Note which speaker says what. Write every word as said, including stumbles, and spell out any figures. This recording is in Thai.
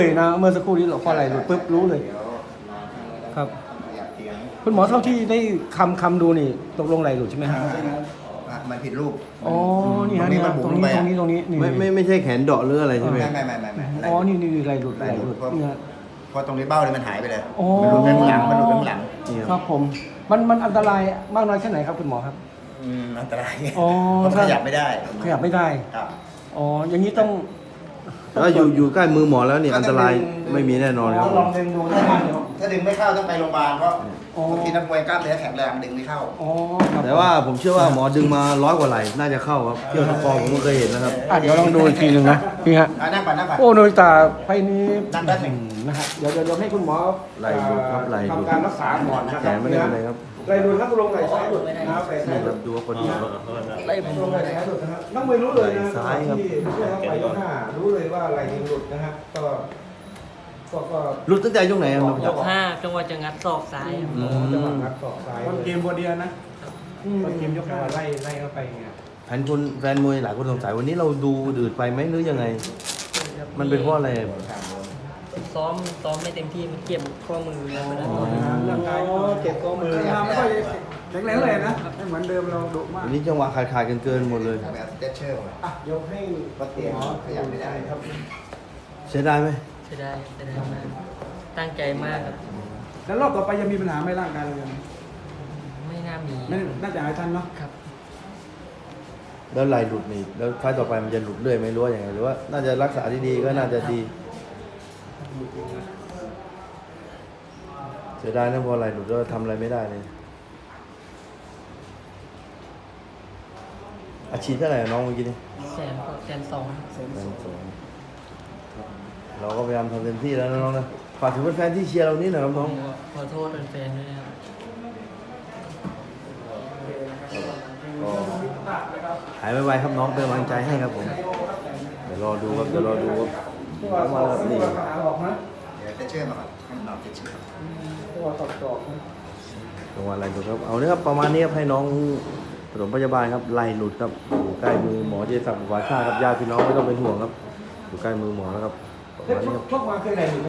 Speaker 1: เลยนะเมื่อสักครู่นี้เราพอไหลหลุดปุ๊บรู้เลย ครับ คุณหมอเท่าที่ได้คำคำดูนี่ตกลงไหลหลุดใช่ไหมฮะ
Speaker 2: มันผิดรูป
Speaker 1: อ๋อนี่ฮะ
Speaker 2: ตรงนี้
Speaker 1: นี่
Speaker 2: มัน
Speaker 1: ฮะ
Speaker 2: บุ๋
Speaker 1: ต
Speaker 2: ม
Speaker 1: รง
Speaker 2: ลง
Speaker 1: นี้
Speaker 2: ไป
Speaker 1: ตรงนี้ตรงนี้นี่
Speaker 3: ไม่ไม่ไม่ใช่แขนเดาะหรืออะไรใช่ไหม
Speaker 2: ไม่ไม่ไม่ไม่ไม่
Speaker 1: อ๋อนี่นี่นี่ไหลหลุดไหลหลุดนี่ฮะ
Speaker 2: เพราะตรงนี้เบ้าเลยมันหายไปเลย
Speaker 1: อ๋อ
Speaker 2: มันหลุดข้างหลังมันหลุดข้างหลัง
Speaker 1: ครับผมมันมันอันตรายมากน้อยแค่ไหนครับคุณหมอครับ
Speaker 2: อืมอันตราย
Speaker 1: อ๋อ
Speaker 2: เพราะมันขยับไม่ได้
Speaker 1: ขยับไม่ได้
Speaker 2: ครับ
Speaker 1: อ๋ออย่างนี้ต้อง
Speaker 3: ถ้าอยู่อยู่ใกล้มือหมอแล้วนี่อันตรายไม่มีแน่นอนครับ
Speaker 1: ลองดึงดูได้ไหมเดี๋ยว
Speaker 2: ถ้าดึงไม่เข้าต้องไปโรงพยาบาลเพราะ
Speaker 1: อ๋อ
Speaker 2: บางทีนักมวยกล้ามเนื้อแข็งแรงดึงไม่เข้า
Speaker 1: อ๋อครับ
Speaker 3: แต่ว่าผมเชื่อว่าหมอดึงมาร้อยกว่าไหลน่าจะเข้าครับเที่ยวตะกอผมก็เคยเห็นนะครับ
Speaker 1: อ่ะเดี๋ยวลองดูอีกทีหนึ่งนะพี่ฮะ
Speaker 2: อ่ะนั่งก่อนนั่งก่อน
Speaker 1: โอ้โนยตาไฟนี้
Speaker 2: นั่งแป๊บหนึ่ง
Speaker 1: นะฮะเดี๋ยวเดี๋ยวให้คุณหมอ
Speaker 3: ไหล่หลุดครับไหล่หลุด
Speaker 1: ทำการรักษาก่อนนะค
Speaker 3: แข
Speaker 1: รับ
Speaker 3: นไม่ได้เป็นไรครับ
Speaker 1: ไหลหลุดครับลงไหลซ้ายหลุดนะครับไหลซ้าย
Speaker 3: นี่
Speaker 1: ห
Speaker 3: ค
Speaker 1: ลุ
Speaker 3: รั
Speaker 1: ด
Speaker 3: บดูว่าคนหมอ
Speaker 1: ไหลผมลงไหลซ้ายหลุดนะครับน้องไม่รู้เลยนะ
Speaker 3: ไหล่ซ้ายครับ
Speaker 1: ที่ที่เขาไปข้างหน้ารู้เลยว่าไหลหลุดนะครับก็ก็ก็
Speaker 3: หลุดตั้งแต่ช่วงไหนครับน้อง
Speaker 4: ยกห้าจังหวะจะงัดศอกซ้าย
Speaker 3: อืม
Speaker 1: จังหวะงัดศอกซ้าย
Speaker 5: ต้นเกมบอเดียนะ
Speaker 1: อืม
Speaker 5: ต้นเกมยกขาไล่ไล่เข้าไปไง
Speaker 3: แฟนคนแฟนมวยหลายคนสงสัยวันนี้เราดูอืดไปไหมหรือยังไง มันเป็นเพราะอะไร
Speaker 4: ซ้อมซ้อมไม่เต็มที่มันเก็บข้อมือแล้วไม่ได้ต่อย
Speaker 5: เรื่องกาย
Speaker 1: อ๋อเก็บข้อมือ
Speaker 5: เราไม่ค่อยแข็งแรงเลยนะไม่เหมือนเดิมเราดุมาก
Speaker 3: วันนี้จังหวะขาดขาดกันเกินหมดเลย
Speaker 2: แบบสเตชเชอร์
Speaker 1: อ่ะเดี๋ยวให้
Speaker 2: ก็เตียงขยับไม่ได้
Speaker 1: ครับ
Speaker 3: เสียดายไหม
Speaker 4: ใช่ได้ใช่ได้มากตั้งใจมากครับ
Speaker 5: แล้วรอบต่อไปจะมีปัญหาไหม่ร่างกายเรายัง
Speaker 4: ไม่น่ามี
Speaker 5: ไม่น่าจะหายทันเนาะ
Speaker 4: ครับ
Speaker 3: แล้วไหลหลุดนี่แล้วไฟล์ต่อไปมันจะหลุดเรื่อยไหมหรือว่าอย่างไงหรือว่าน่าจะรักษาดีๆก็น่าจะดีเสียดายนะพอไหลหลุดแล้วทำอะไรไม่ได้เลยอาชีพเท่าไหร่น้องเมื่อกี้นี่
Speaker 4: แสนกว่าแสนสอง
Speaker 3: แสนสองเราก็พยายามทำเต็มที่แล้วนะน้องนะฝากถึงแฟนๆที่เชียร์เรานี่หน่อยครับน้อง
Speaker 4: ขอโทษแฟนๆด้วยนะครับ
Speaker 3: หายไวๆครับน้องเป็นกำลังใจให้ครับผมเดี๋ยวรอดูครับเดี๋ยวรอดูครับ
Speaker 1: ตัว
Speaker 3: มาแล้วนี่
Speaker 1: ตัวขาออกนะ
Speaker 2: เดี๋ยวสเตชเชอร์มาก่อนให้มันออกสเตชเชอร์
Speaker 1: ตัวตอกตอกนะ
Speaker 3: จังหวะไหลหลุดครับเอาเนี่ยครับประมาณนี้ครับให้น้องปฐมพยาบาลครับไหลหลุดครับอยู่ใกล้มือหมอเจสักดิ์วาชาครับญาติพี่น้องไม่ต้องเป็นห่วงครับอยู่ใกล้มือหมอแล้วครับประมาณนี้ครับ
Speaker 1: ชกมาเคยไหนหรือ